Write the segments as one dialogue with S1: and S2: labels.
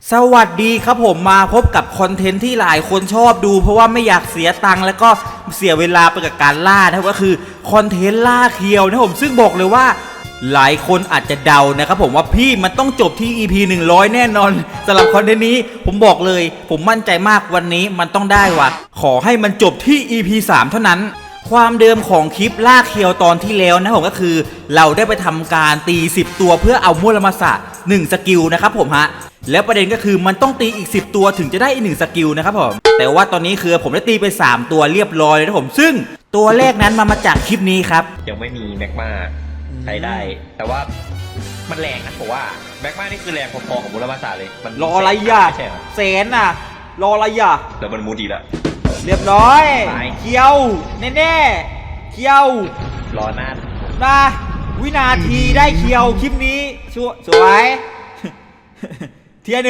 S1: สวัสดีครับผมมาพบกับคอนเทนต์ที่หลายคนชอบดูเพราะว่าไม่อยากเสียตังค์แล้วก็เสียเวลาไปกับการล่านะครับก็คือคอนเทนต์ล่าเคียวนะผมซึ่งบอกเลยว่าหลายคนอาจจะเดานะครับผมว่าพี่มันต้องจบที่ EP 100แน่นอนสำหรับคอนเทนต์นี้ผมบอกเลยผมมั่นใจมากวันนี้มันต้องได้ว่ะขอให้มันจบที่ EP 3เท่านั้นความเดิมของคลิปล่าเคียวตอนที่แล้วนะผมก็คือเราได้ไปทำการตี10ตัวเพื่อเอามูลมาสะ1สกิลนะครับผมฮะแล้วประเด็นก็คือมันต้องตีอีก10ตัวถึงจะได้อีก1สกิลนะครับผมแต่ว่าตอนนี้คือผมได้ตีไป3ตัวเรียบร้อยเลยนะผมซึ่งตัวแรกนั้นมาจากคลิปนี้ครับ
S2: ยังไม่มีแม็กมาใช้ได้ แต่ว่ามันแรงนะผมว่าแม็กมานี่คือแรงพอๆกับมูลมาสาเลยมัน
S1: รออะไรอ่ะ
S2: ใช่ไหม
S1: แสนน่ะรออะไรอ่ะ
S2: แล้วมันมูดีละ
S1: เรียบร้อยเคียวแน่ๆเคียว
S2: รอหน้า
S1: นะวินาทีได้เคียวคลิปนี้สวย เทียร์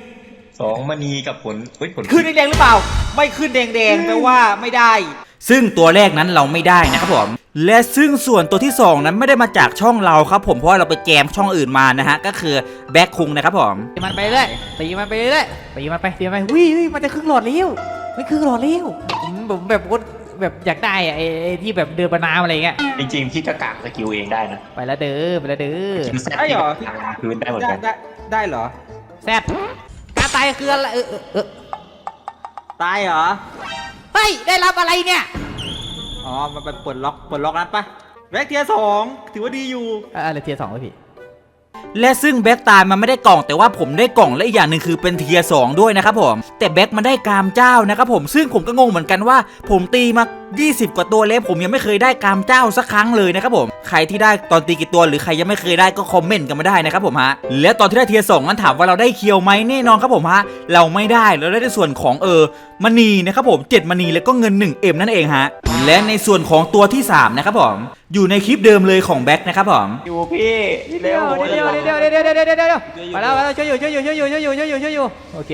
S1: 1
S2: 2มณีกับผล
S1: ขึ้นแดงหรือเปล่าไม่ขึ้นแดงแปลว่าไม่ได้ซึ่งตัวแรกนั้นเราไม่ได้นะครับผมและซึ่งส่วนตัวที่2นั้นไม่ได้มาจากช่องเราครับผมเพราะเราไปแจมช่องอื่นมานะฮะก็คือแบ็คคุงนะครับผม
S3: ตีมันไปเรื่อยตีมันไปเรื่อยตีมันไปตีมันไปวิมันจะครึ่งหลอดเลี้ยวไม่ครึ่งหลอดเลี้ยวผมแบบอยากได้ไอ้ที่แบบเดินบนน้ำอะไรเงี้ย
S2: จริงๆพี่ก็กางสกิลเองได้นะ
S3: ไปแล้วเด้อ
S1: ได้เหรอ
S2: พื้นได้เหมือนกัน
S1: ได้เหรอ
S3: แซดการตายคืออะไร
S1: ตายเหรอ
S3: เฮ้ยได้รับอะไรเนี่ย
S1: อ๋อมันเป็นปลดล็อกนั้นปะแบ็คเทียร์2ถือว่าดีอยู่
S3: อะไรเทียร์2เลยพี่
S1: และซึ่งแบ็คตายมันไม่ได้กล่องแต่ว่าผมได้กล่องและอีกอย่างหนึ่งคือเป็นเทียร์2ด้วยนะครับผมแต่แบ็คมันได้กามเจ้านะครับผมซึ่งผมก็งงเหมือนกันว่าผมตีมา20กว่าตัวแล้วผมยังไม่เคยได้กามเจ้าสักครั้งเลยนะครับผมใครที่ได้ตอนตีกี่ตัวหรือใครยังไม่เคยได้ก็คอมเมนต์กันมาได้นะครับผมฮะและตอนที่ได้เทียร์2นั้นถามว่าเราได้เคียวไหมแน่นอนครับผมฮะเราไม่ได้เราได้ในส่วนของมณีนะครับผม7มณีแล้วก็เงิน 1M นั่นเองฮะและในส่วนของตัวที่3นะครับผมอยู่ในคลิปเดิมเลยของแบ็คนะครับผม
S2: อยู่พี่
S3: เร็วมาแล้วช่วยอยู่โอเค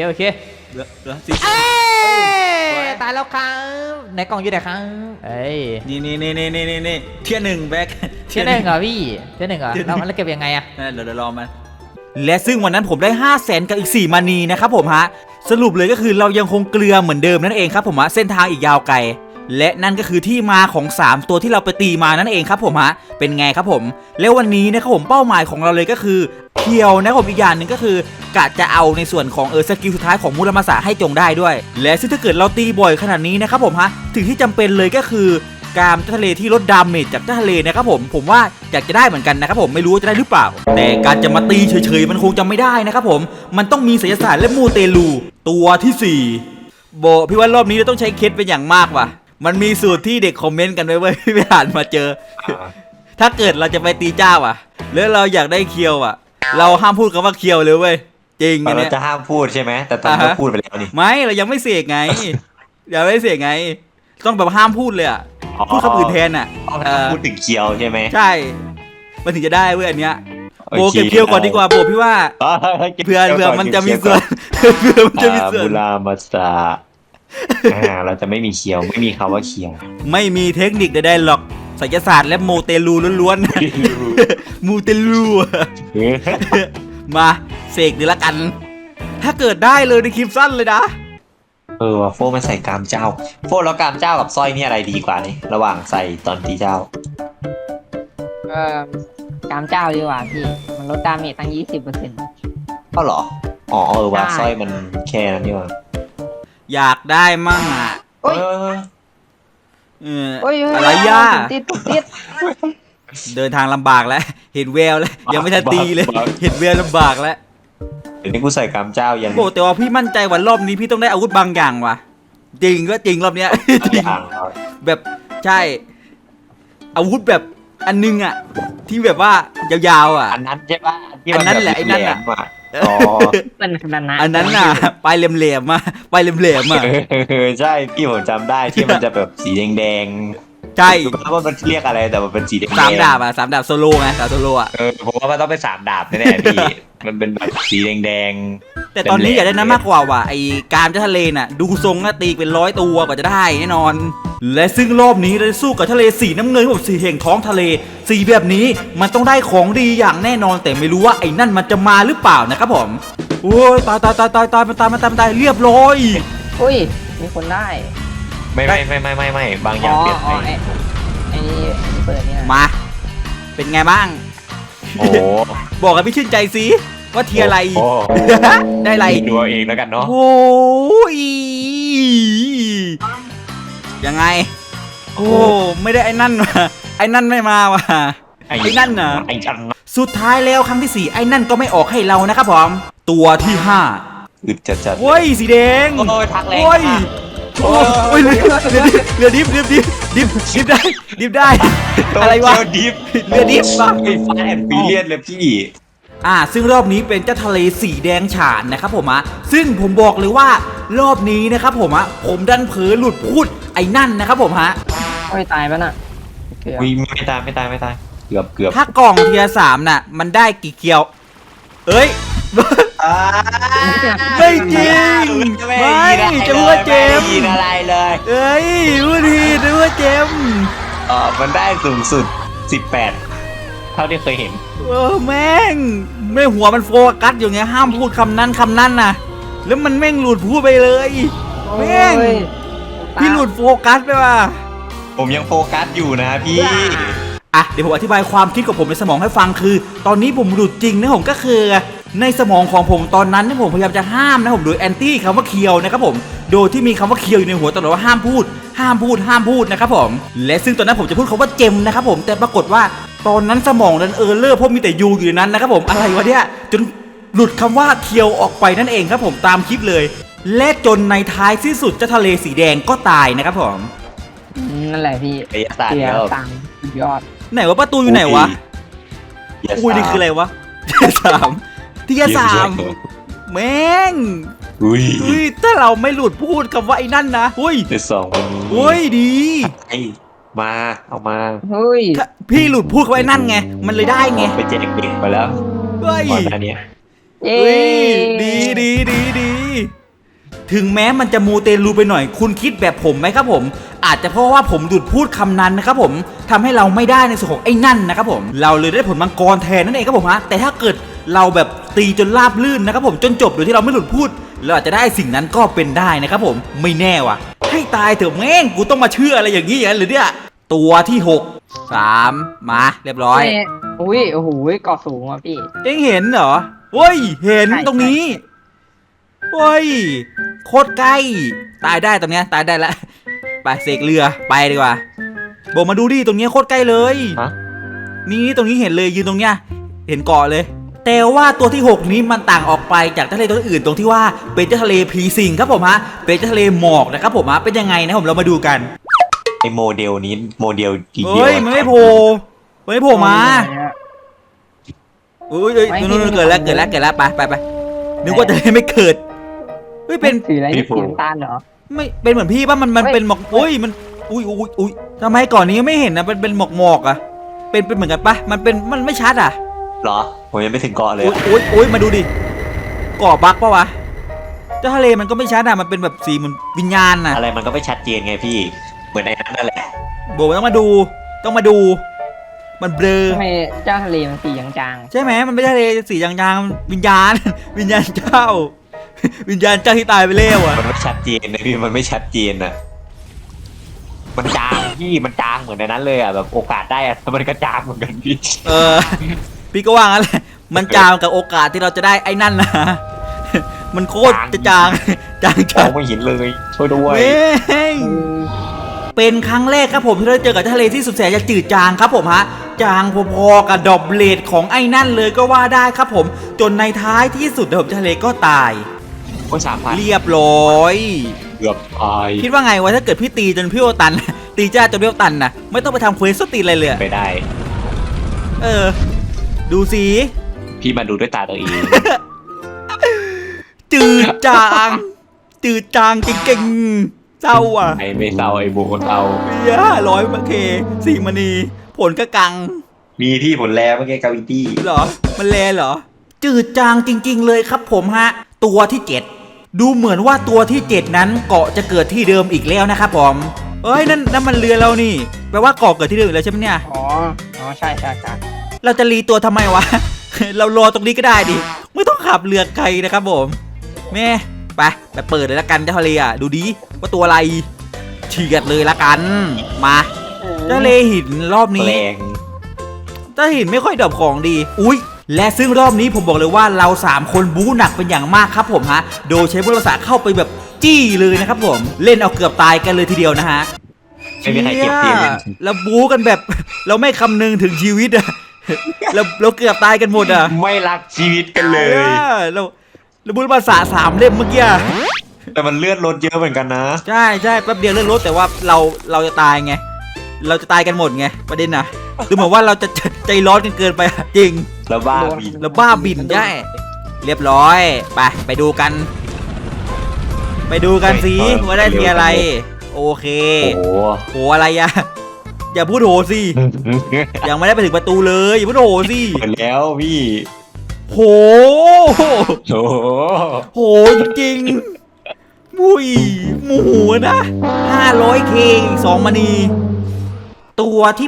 S3: ตายแล้วครับไหนกล่องอยู่ไหนครับเอ้ย
S1: นี่เทียร์1แบ็ค
S3: เทียร์1เหรอพี่เทียร์1เหรอแล้วเก็บยังไงอะ
S1: เดี๋ยวรอมันและซึ่งวันนั้นผมได้500,000กับอีก4มณีนะครับผมฮะสรุปเลยก็คือเรายังคงเกลือเหมือนเดิมนั่นเองครับผมฮะเส้นทางอีกยาวไกลและนั่นก็คือที่มาของ3ตัวที่เราไปตีมานั่นเองครับผมฮะเป็นไงครับผมแล้ววันนี้นะครับผมเป้าหมายของเราเลยก็คือเคียวนะครับผมอีกอย่างหนึ่งก็คือกะจะเอาในส่วนของสกิลสุดท้ายของมูรามาสะให้จงได้ด้วยและซึ่งถ้าเกิดเราตีบ่อยขนาดนี้นะครับผมฮะถึงที่จำเป็นเลยก็คือกามทะเลที่ลดดาเมจจากทะเลนะครับผมว่าอยากจะได้เหมือนกันนะครับผมไม่รู้จะได้หรือเปล่าแต่การจะมาตีเฉยๆมันคงจะไม่ได้นะครับผมมันต้องมีไสยศาสตร์และมูเตลูตัวที่4โบพี่ว่ารอบนี้เราต้องใช้เคสเป็นอย่างมากว่ะมันมีสูตรที่เด็กคอมเมนต์กันไว้เว้ยพี่ไปอ่านมาเจอถ้าเกิดเราจะไปตีเจ้าอ่ะแล้วเราอยากได้เคียวอ่ะเราห้ามพูดคำว่าเคียวเลยเว้ยจริง
S2: อันนี้เราจะห้ามพูดใช่ไหมแต่ตอนนี้พูดไปแล้วนี่
S1: ไม่เรายังไม่เสกไงอย่าไม่เสกไงต้องแบบห้ามพูดเลยอ่ะพูดคำอื่นแทนอ่ะ
S2: พูดถึงเคียวใช่ไหม
S1: ใช่มันถึงจะได้เว้ยอันเนี้ยโบเก็บเคียวก่อนดีกว่าโบพี่ว่าเผื่อมันจะมีส่วน
S2: บุรามาสะเราจะไม่มีเคียวไม่มีคำว่าเคียว
S1: ไม่มีเทคนิคใดๆหรอกไสยศาสตร์และโมเตลูล้วนๆมูเตลูมาเสกดีละกันถ้าเกิดได้เลยในคลิปสั้นเลยนะ
S2: ว่ะโฟมันใส่กามเจ้าโฟแล้วกามเจ้ากับสร้อยนี่อะไรดีกว่านี่ระหว่างใส่ตอนตีเจ้
S4: ากามเจ้าดีกว่าพี่มันลดดาเมจตั้ง 20%
S2: ก็หรอว่าสร้อยมันแค่นั้นนี่หว่า
S1: อยากได้มั่งอ่ะอะไรย่า
S4: ติด
S1: เดินทางลำบากแล้วเห็นแววแล้วยังไม่ทันตีเลยเห็นแววลำบากแล้ว
S2: เดี๋ยวนี้กูใส่กามเจ้ายัง
S1: โอ้แต่ว่าพี่มั่นใจว่ารอบนี้พี่ต้องได้อาวุธบางอย่างว่ะจริงก็จริงรอบเนี้ยแบบใช่อาวุธแบบอันนึงอ่ะที่แบบว่ายาวๆอ่ะ
S2: อันนั้นใช่ป่ะ
S1: อันนั้นแหละไอ้นั่นอ่ะ
S4: เป็นขนาดนั้น
S1: อันนั้นน่ะปลายเหลี่ยมๆมาปลายเหลี่ยมๆอ่ะ
S2: ใช่พี่ผมจำได้ที่มันจะแบบสีแดง
S1: ใช่
S2: ว่ามันเรียกอะไรแต่มันเป็นสีแดง
S1: 3 ดาบอ่ะ3 ดาบโซโล่ไง3 โซโล่อ่ะ
S2: ผมว่ามันต้องเป็น3 ดาบแน่ๆพี่มันเป็นแบบสีแดง
S1: แต่ตอนนี้อยากได้นั้นมากกว่าว่ะไอ้การทะเลน่ะดูทรงน่ะตีเป็น100 ตัวกว่าจะได้แน่นอนและซึ่งรอบนี้เราสู้กับทะเลสีน้ำเงินผมสีแห่งท้องทะเลสีแบบนี้มันต้องได้ของดีอย่างแน่นอนแต่ไม่รู้ว่าไอ้นั่นมันจะมาหรือเปล่านะครับผมโอ้ยตายมันตายเรียบร้อย
S4: อุ้ยมีคนได้
S2: ไม่บางอย่างเปลี่ยนไป
S4: ไอ้นี่เปิดเนี่ย
S1: มา เป็นไงบ้าง
S2: โอ้โห
S1: บอกกับพี่ชื่นใจสิว่าเทียร์อะไร
S2: โอ้
S1: ได้อะไร
S2: ดูเอาเองแล้วกันเนาะ
S1: โอ้ยยังไง โอ้ไม่ได้ไอ้นั่นว่ะไอ้นั่นไม่มาว่ะไอ้นั่นน่ะ
S2: ไอ้จัน
S1: สุดท้ายแล้วครั้งที่ 4ไอ้นั่นก็ไม่ออกให้เรานะครับผมตัวที่
S2: อึดจัด
S1: 5โอ้ยสีแดง
S2: โอ้ยทักแรง
S1: โอ้ย
S2: มาก
S1: โอ้ยเรือดิบได้ อะไรวะ
S2: ดิฟ
S1: เรือดิฟปะ
S2: ไอ้ฟ้าแอนฟิเลียนเลยพี่
S1: ซึ่งรอบนี้เป็นเจ้าทะเลสีแดงฉานนะครับผมซึ่งผมบอกเลยว่ารอบนี้นะครับผมผมดันเผลอหลุดพูดไอ้นั่นนะครับผม
S4: โอ้ยตายปะน่ะเกือบ
S2: วิ่งไม่ตายเกือบ
S1: ถ้ากล่องเทียร์3น่ะมันได้กี่เกียว เอ้ย ไม่จริงไม่จะพูดว่าเจมส์
S2: อะไรเลย
S1: เอ้ยพูดทีจะพูดว่าเจมส์
S2: มันได้สูงสุด 18 เท่าที่เคยเห็น
S1: แม่งไม่หัวมันโฟกัสอยู่ไงห้ามพูดคำนั้นนะแล้วมันแม่งหลุดพูดไปเลยแม่ง
S4: โอ้ย
S1: พี่หลุดโฟกัสไปว่ะ
S2: ผมยังโฟกัสอยู่นะพี่
S1: เดี๋ยวผมอธิบายความคิดของผมในสมองให้ฟังคือ ตอนนี้ผมหลุดจริงนะผมก็คือในสมองของผมตอนนั้นที่ผมพยายามจะห้ามนะผมโดยแอนตี้คำว่าเคียวนะครับผมโดยที่มีคำว่าเคียวอยู่ในหัวตลอดว่าห้ามพูดนะครับผมและซึ่งตอนนั้นผมจะพูดคำว่าเจมนะครับผมแต่ปรากฏว่าตอนนั้นสมองนั้นเลอร์เพราะมีแต่ยูอยู่ในนั้นนะครับผมอะไรวะเนี่ยจนหลุดคำว่าเคียวออกไปนั่นเองครับผมตามคลิปเลย และจนในท้ายที่สุดเจ้าทะเลสีแดงก็ตายนะครับผม
S4: นั่นแหละพี่
S2: ไอ้ศาสตร์
S4: เสีย
S2: แล้ว
S4: ตังค์สุดยอด
S1: ไหนว่าประตูอยู่ไหนวะอุ้ยนี่คืออะไรวะเทียร์สามแม่ง
S2: อุ้ย
S1: ถ้าเราไม่หลุดพูดคำว่าไอ้นั่นนะอุ้ย
S2: เดี๋ยวสองคนนี้
S1: อุ้ยดี
S2: ไอ้มาเอามา
S4: เฮ้ย
S1: ถ้าพี่หลุดพูดคำว่าไอ้นั่นไงมันเลยได้ไง
S2: ไปแจกเด็กไปแล้ว
S1: เฮ้ย
S2: ก่อนหน้านี้
S4: เย้
S1: เฮ้ยดีถึงแม้มันจะมูเตลูไปหน่อย คุณคิดแบบผมไหมครับผม อาจจะเพราะว่าผมหลุดพูดคำนั้นนะครับผมทำให้เราไม่ได้ในส่วนของไอ้นั่นนะครับผมเราเลยได้ผลมังกรแทนนั่นเองครับผมแต่ถ้าเกิดเราแบบตีจนราบลื่นนะครับผมจนจบโดยที่เราไม่หลุดพูดเราอาจจะได้สิ่งนั้นก็เป็นได้นะครับผมไม่แน่ว่ะให้ตายเถอะแม่งกูต้องมาเชื่ออะไรอย่างนี้อย่างนั้นหรือเนี่ยตัวที่6 3มาเรียบร้อย
S4: อุ้ยโอ้โหเกาะสูงอ่ะพี่
S1: เอ็งเห็นเหรอเฮ้ยเห็นตรงนี้เฮ้ยโคตรใกล้ตายได้ตรงเนี้ยตายได้ละไปเสกเรือไปดีกว่าบอกมาดูดิตรงเนี้ยโคตรใกล้เลย
S2: ฮะ
S1: นี่ตรงนี้เห็นเลยยืนตรงเนี้ยเห็นเกาะเลย แต่ว่าตัวที่ 6 นี้มันต่างออกไปจากทะเลตัวอื่นตรงที่ว่าเป็นเจ้าทะเลผีสิงครับผมเป็นเจ้าทะเลหมอกนะครับผมเป็นยังไงนะผมเรามาดูกัน
S2: ไอ้โมเดลนี้โมเดลทีเดียว
S1: เฮ้ยมันไม่โผล่มาอุ้ยนู่นเกิดแล้วไปนึกว่าจะไม่เกิดเฮ้ยเป็น
S4: สีอะไรนี่สีน้ำตาลเหรอ
S1: ไม่เป็นเหมือนพี่ป่ะมันเป็นหมอกอุ้ยมันอุ้ยทำไมก่อนนี้ไม่เห็นนะเป็นหมอกอ่ะเป็นเหมือนกันปะมันไม่ชัดอ่ะ
S2: เหรอผมยังไม่ถึงเกาะเลย
S1: อุ้ยมาดูดิเกาะบักปะวะเจ้าทะเลมันก็ไม่ชัดอ่ะมันเป็นแบบสีเหมือนวิญญาณน่ะ
S2: อะไรมันก็ไม่ชัดเจนไงพี่เหมือนในนั้นนั่นแหละ
S1: โบต้องมาดูมันเบลอ
S4: ทำไมเจ้าทะเลมันสีจาง
S1: ใช่ไหมมันไม่ใช่ทะเลสีจางๆวิญญาณ วิญญาณเจ้า วิญญาณเจ้าที่ตายไปแล้วอ่ะ
S2: มันไม่ชัดเจนนะพี่มันไม่ชัดเจนอ่ะมันจางพี่มันจางเหมือนในนั้นเลยอ่ะแบบโอกาสได้อ่ะมันก็จางเหมือนกันพี่
S1: พี่ก็ว่างั้นแหละมันจางกับโอกาสที่เราจะได้ไอ้นั่นนะ มันโคตรจะจาง
S2: มองไม่เห็นเลยช่วยด้วย
S1: เว้งเป็นครั้งแรกครับผมที่เราเจอกับทะเลที่สุดแสนจะจืดจางครับผมจางพอๆกับดอบเลดของไอ้นั่นเลยก็ว่าได้ครับผมจนในท้ายที่สุดผมทะเลก็ตาย
S2: โอ้3,000
S1: เรียบร้อย
S2: เกือบตาย
S1: คิดว่าไงวะถ้าเกิดพี่ตีจนพี่โอตัน ตีจ้าจนพี่โอตันนะไม่ต้องไปทำเควสตีอะไรเลย
S2: ไปได้
S1: ดูสิ
S2: พี่มาดูด้วยตาตัวเอง
S1: จืดจางจริงๆเศร้าอ่ะ
S2: ไอ้ไม่เศร้าไอ้โมเศร้า
S1: เย้100มาเคสี่มณีผลก็กัง
S2: มีที่ผลแลเมื่อกี้กาวิตี้
S1: เหรอมันแลเหรอจืดจางจริงๆเลยครับผมตัวที่ 7 ดูเหมือนว่าตัวที่ 7 นั้นเกาะจะเกิดที่เดิมอีกแล้วนะครับผมเอ้ยนั่นมันเรือเรานี่แปลว่าเกาะเกิดที่เดิมอีกแล้วใช่ไหมเนี่ย
S4: ๆอ๋อใช่
S1: เราจะรีตัวทำไมวะ เรารอตรงนี้ก็ได้ดิไม่ต้องขับเรือไกลนะครับผมแม่ไปเปิดเลยละกันเจ้าทะเลอ่ะดูดิว่าตัวอะไรเฉียดเลยละกันมาเจ้าทะเลหินรอบนี้
S2: แรง
S1: เจ้าหินไม่ค่อยดรอปของดีอุ้ยและซึ่งรอบนี้ผมบอกเลยว่าเรา3คนบู๊หนักเป็นอย่างมากครับผมฮะโดยใช้พุทธศาสตร์เข้าไปแบบจี้เลยนะครับผมเล่นเอาเกือบตายกันเลยทีเดียวนะฮะ
S2: ไม่มีใครเก็บทีม
S1: แล้วบู๊กันแบบ เราไม่คำนึงถึงชีวิตอะ เราเกือบตายกันหมดอะ
S2: ไม่รักชีวิตกันเลย
S1: เราบู๊ภาษา3 เล่มเมื่อกี้อะ
S2: แต่มันเลือดลดเยอะเหมือนกันนะ
S1: ใช่แป๊บเดียวเลื่อนรถแต่ว่าเราจะตายไงเราจะตายกันหมดไงประเด็นน่ะดูเหมือนว่าเราจะใจร้อนกันเกินไปอะจริง
S2: แล้วบ้าบิน
S1: แล้วบ้าบินได้เรียบร้อยไปดูกัน สิว่าได้ทีอะไร โอเค
S2: โอ้โห
S1: โหอะไรอะอย่าพูดโหสิยังไม่ได้ไปถึงประตูเลยอย่าพูดโหสิ
S2: หมดแล้วพี่
S1: โห
S2: โอ้โห
S1: โหจริงๆมุยหมูนะ500K อีก2 มณีตัวที่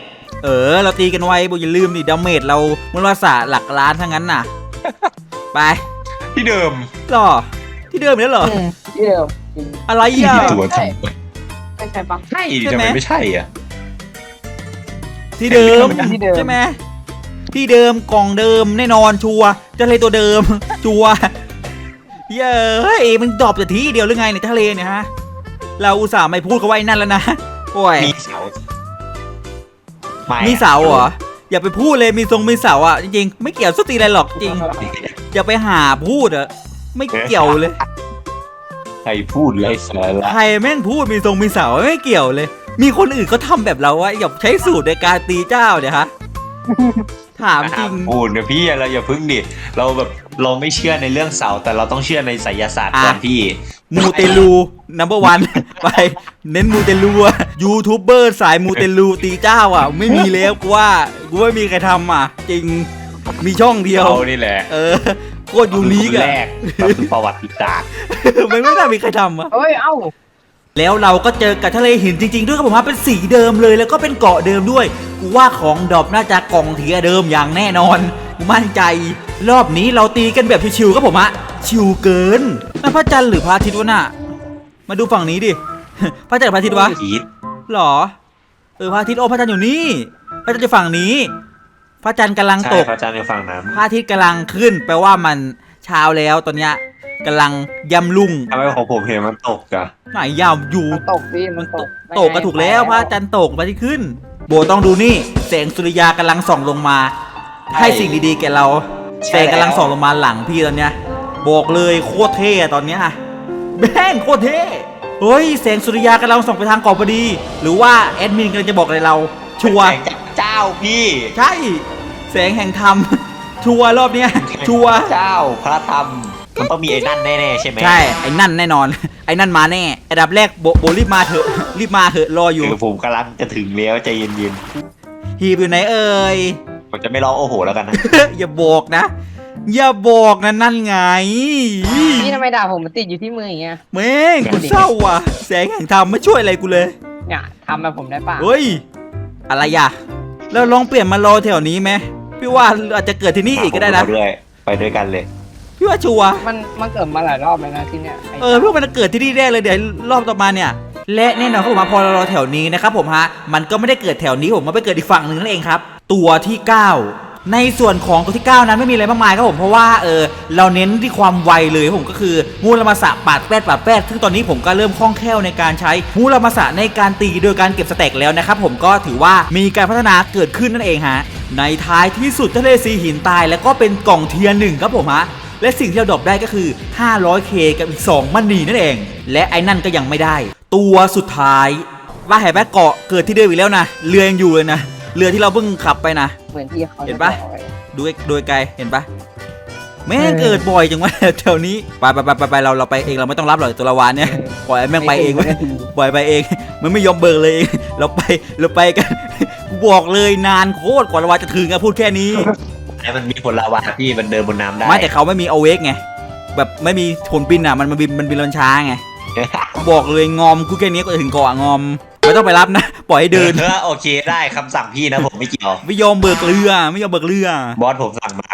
S1: 8เราตีกันไว้บอกอย่าลืมดิดาเมจเรามันว่าสะหลักล้านทั้งนั้นน่ะไป
S2: ที่เดิม
S1: หรอที่เดิมเนี่ยเหรอ
S4: ที่เดิมจริง
S1: อะไรอ่ะ
S2: ตัวจริง
S4: ไม่ใช่ปะ
S2: ใช่ทำไมไม่ใช่อ่ะ
S1: ที่เดิม
S4: ที่เดิม
S1: ใช่ไหมที่เดิมกล่องเดิมแน่นอนชัวร์เจะเลยตัวเดิม ชัวร์เย้ยมันดรอปแต่ทีเดียวหรือไงในทะเลเนี่ยฮะเราอุตส่าห์ไม่พูดเขาไว้นั่นแล้วนะโอ้ย
S2: มีเสาไม่
S1: มีเสาเหรออย่าไปพูดเลยมีเสาอ่ะจริงๆไม่เกี่ยวสตีอะไรหรอกจริงอย่าไปหาพูดอ่ะไม่เกี่ยวเลย
S2: ใครพูดไรสาระ
S1: ใครแม่งพูดมีเสาไม่เกี่ยวเลย มีคนอื่นเขาทำแบบเราอะอย่าใช้สูตรในการตีเจ้าเนี่ยฮะ ถามจริง
S2: พูดนะพี่เราอย่าพึ่งดิเราแบบเราไม่เชื่อในเรื่องเสาแต่เราต้องเชื่อในไสยศาสตร์ก่อนพี่
S1: มูเตลูนัมเบอร์วัน ไปเน้นมูเตลูอะยูทูบเบอร์สายมูเตลูตีเจ้าอ่ะ ไม่มีแล้วกูว่ากูไม่มีใครทำอ่ะ จริงมีช่องเดียว
S2: เรานี่แหละ
S1: โคตรยูนิค
S2: แร
S1: อะ
S2: กเราคือประวัติศาสตร์
S1: มันไม่น่ามีใครทำอ่ะ
S4: เฮ้ย เอ้า
S1: แล้วเราก็เจอกับทะเลหินจริงๆด้วยครับผมฮะเป็นสีเดิมเลยแล้วก็เป็นเกาะเดิมด้วยกูว่าของดรอปน่าจะกล่องเทียเดิมอย่างแน่นอนกูมั่นใจ รอบนี้เราตีกันแบบชิวๆครับผมฮะชิวเกินนั่นพระจันทร์หรือพระอาทิตย์วะน่ะมาดูฝั่งนี้ดิ พระจันทร์หรือพระอาทิตย์วะ
S2: คิด
S1: หรอพระอาทิตย์โอ้พระจันทร์อยู่นี่พระจันทร์อยู่ฝั่งนี้ พระจันทร์กำลัง
S2: ใช่
S1: ตก
S2: พระอาจารย์ในฝั่งนั้น
S1: พระอาทิตย์กำลังขึ้นแปลว่ามันเช้าแล้วตอนเนี้ยกำลังยำลุ่ง
S2: ทำไมของผมเห็นมันตกอะ
S1: ไหนยำอยู่
S4: มันตกพี่มันตก
S1: ตกก็ถูกแล้วพระจันทร์ตกพระอาทิตย์ขึ้น โบต้องดูนี่แสงสุริยากำลังส่องลงมา ให้สิ่งดีๆแก่เราแสงกำลังส่องลงมาหลังพี่ตอนเนี้ยบอกเลยโคตรเท่อะตอนเนี้ยแม่งโคตรเท่เฮ้ยแสงสุริยากำลังส่องไปทางเกาะพอดี หรือว่าแอดมินกำลังจะบอกอะไรเรา ชัวร์
S2: แสงจากเจ้าพี่
S1: ใช่แสงแห่งธรรม ชัวร์รอบเนี้ยชัวร์
S2: เจ้าพระธรรมมันต้องมีไอ้นั่นแน่ๆใช่ไหม
S1: ใช่ไอ้นั่นแน่นอน ไอ้นั่นมาแน่อันดับแรกโบรีบมาเถอะรีบมาเถอะรออยู่
S2: ผมกำลังจะถึงแล้วใจเย็น
S1: ฮีบอยู่ไหนเอ่ย
S2: ๆผมจะไม่ร้องโอ้โหแล้วกันนะ
S1: อย่าบอกนะ อย่าบอกนะนั่นไง
S4: พี่ทำไมด่าผมมันติดอยู่ที่มืออย่างเงี้ย
S1: แม่งกูเศร้าว่ะ แสงแห่งธรรมไม่ช่วยอะไรกูเลย
S4: เนี่ยทำแบบผมได้ป่ะ
S1: เฮ้ย อะไรอ่ะเราลองเปลี่ยนมารอแถวนี้ไหมพี่ว่าอาจจะเกิดที่นี่อีกก็ได้นะ
S2: ผมด้วยไปด้วยกันเลย
S1: พี่ว่าชัวร์
S4: มันเกิดมาหลายรอบแล้วนะที่เนี่ยไอ้
S1: พี่ว่ามันจะเกิดที่นี่แน่เลยเดี๋ยวรอบต่อมาเนี่ย และแน่นอนครับผมพอเรารอแถวนี้นะครับผมฮะมันก็ไม่ได้เกิดแถวนี้ผมมันไปเกิดอีกฝั่งหนึ่งนั่นเองครับ ตัวที่ 9 ในส่วนของตัวที่ 9 นั้นไม่มีอะไรมากมายครับผมเพราะว่าเราเน้นที่ความไวเลยครับผมก็คือมูลมาสะปาดแปดซึ่งตอนนี้ผมก็เริ่มคล่องแคล่วในการใช้มูลมาสะในการตีโดยการเก็บสเต็กแล้วนะครับผมก็ถือว่ามีการพัฒนาเกิดขึ้นนั่นเองฮะในท้ายที่สุดทะเลสีหินตายแล้วก็เป็นกล่องเทียร์1ครับผมฮะและสิ่งที่เราดรอปได้ก็คือ 500K กับอีก2มันนีนั่นเองและไอ้นั่นก็ยังไม่ได้ ตัวสุดท้ายว่าแหบเกาะเกิดที่เดิมอีกแล้วนะเรือยังอยู่เลยนะเรือที่เราเพิ่งขับไปนะ
S4: เหมือนที่เขา
S1: เห็นปะ
S4: บอกไว้
S1: ดูโดยไกลเห็นปะแม่งเกิดบ่อยจังวะ แถวนี้ไปเราไปเองเราไม่ต้องรับหรอกตัวละวานเนี่ยปล่อยให้แม่งไปเองไว้ยปล่อยไปเองมันไม่ยอมเบิกเลยเองเราไปกัน กูบอกเลยนานโคตรกว่าละวานจะถึงอะพูดแค่นี้
S2: ไอ้มันมีผลลาวาที่มันเดินบนน้ำได้
S1: ไม่แต่เขาไม่มีเอาเวกไงแบบไม่มีผลบินอะมันบินลนช้าไงกูบอกเลยงอมกูแค่นี้ก็ถึงเกาะงอมไม่ต้องไปรับนะปล่อยให้เดิน
S2: โอเคได้คำสั่งพี่นะผมไม่เกี่ยว
S1: ไม่ยอมเบิกเรือ
S2: บอสผมสั่งมา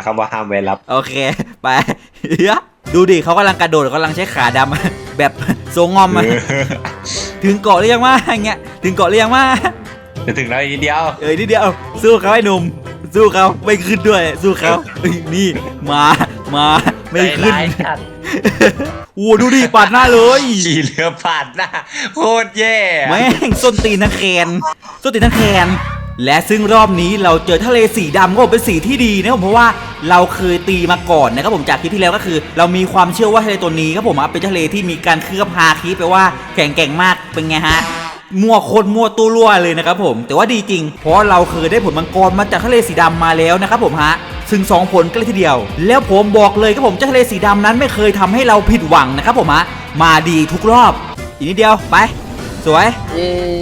S2: คำว่าห้ามไว้รับ
S1: โอเค ไปเฮ้ยดูดิเขากำลังกระโดดกำลังใช้ขาดำ แบบทรงงอมอะถึงเกาะหรือยังวะอย่างเงี้ยถึงเกาะหรือยังวะ
S2: จะถึงแล้วอีกนิดเดียว
S1: นิดเดียวสู้เขาไอ้หนุ่มสู้เขาไม่ขึ้นด้วยสู้เขาเอ้ยนี่มาไม่ขึ้น
S2: ใจร้ายจัด
S1: โอ้ดูดิปาดหน้าเลย
S2: ขี่เรือผ่านหน้าโคตรแย่
S1: แม่งส้นตีนทั้งแขนส้นตีนทั้งแขนและซึ่งรอบนี้เราเจอทะเลสีดำก็เป็นสีที่ดีนะครับผมเพราะว่าเราเคยตีมาก่อนนะครับผมจากคลิปที่แล้วก็คือ เรามีความเชื่อว่าทะเลตัวนี้ครับผมเป็นทะเลที่มีการเคลือบฮาคิแปลว่าแข็งแกร่งมากเป็นไงฮะมั่วโคตรมั่วตู้รั่วเลยนะครับผมแต่ว่าดีจริงเพราะเราเคยได้ผลมังกรมาจากทะเลสีดำมาแล้วนะครับผมฮะซึ่ง2ผลกันเลยทีเดียว แล้วผมบอกเลยครับผมเจ้าทะเลสีดำนั้นไม่เคยทำให้เราผิดหวังนะครับผมฮะมาดีทุกรอบอีกนิดเดียวไปสวย
S4: เย้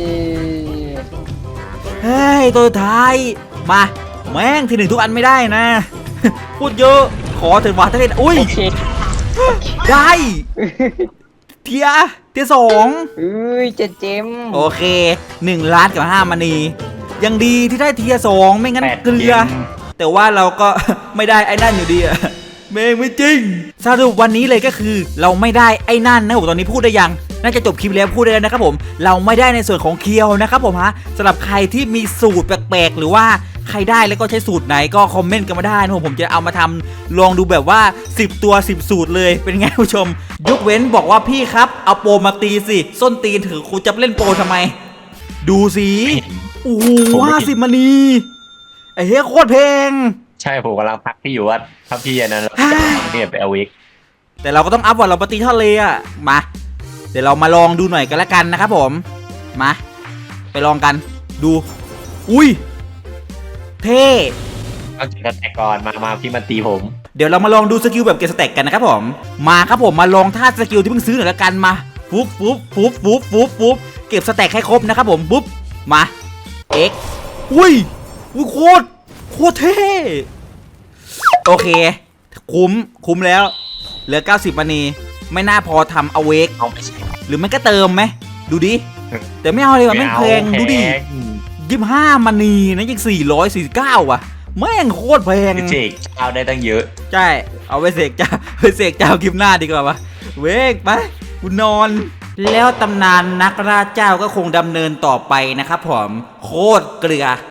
S1: เฮ้ยตัวสุดท้ายมาแม่งทีหนึ่งทุกอันไม่ได้นะ พูดเยอะขอเถิดว่าถ้าเล่นอุ้ย
S4: โอเค
S1: ได้เทียสอง
S4: อุ้ยเจม
S1: โอเค1 ล้านกับ5มณียังดีที่ได้เทียสองไม่งั้น
S2: 8
S1: เกลือ แต่ว่าเราก็ ไม่ได้ไอ้นั่นอยู่ดีอะ เมงไม่จริงสรุปวันนี้เลยก็คือเราไม่ได้ไอ้นั่นนะผมตอนนี้พูดได้ยังน่าจะจบคลิปแล้วพูดได้แล้วนะครับผมเราไม่ได้ในส่วนของเคียวนะครับผมฮะสำหรับใครที่มีสูตรแปลกๆหรือว่าใครได้แล้วก็ใช้สูตรไหนก็คอมเมนต์กันมาได้นะผมจะเอามาทำลองดูแบบว่า10ตัว10สูตรเลยเป็นไงผู้ชมยกเว้นบอกว่าพี่ครับเอาโปรมาตีสิส้นตีนถือคุณจะเล่นโปรทำไม ดูสิโอ้โห50มณีไอ้เฮ้ยโคตรเพลง
S2: ใช่ผมกำลังพักพี่อยู่ว่าถ้าพี่อันนั้นเราเนี่ยไปเอาวิก
S1: แต่เราก็ต้องอัพวันเราปฏิทะเลอะมาเดี๋ยวเรามาลองดูหน่อยกันละกันนะครับผมมาไปลองกันดูอุ้ยเท่
S2: เอาจุดแตกก่อนมาพี่มาตีผม
S1: เดี๋ยวเรามาลองดูสกิลแบบเก็บสแต็กกันนะครับผมมาครับผมมาลองท่าสกิลที่เพิ่งซื้อหน่อยละกันมาปุ๊บเก็บสแต็กให้ครบนะครับผมปุ๊บมาเอ็กอุ้ยโคตรเท่โอเคคุ้มแล้วเหลือ90มณีไม่น่าพอทำเอาเวก
S2: เอาไปใช้
S1: หรือมันก็เติมไหมดูดิแต่ไม่เอาเลยว่ะแม่งแพงดูดิ25มณีนะยัง449ว่ะแม่งโคตรแพง
S2: เจกเจ้าได้ตั้งเยอะ
S1: ใช่เอาไปเสกเจ้าไปเสกเจ้าคลิปหน้าดีกว่าวะเวกไปกูนอน แล้วตำนานนักล่าเจ้าก็คงดำเนินต่อไปนะครับผมโคตรเกลือ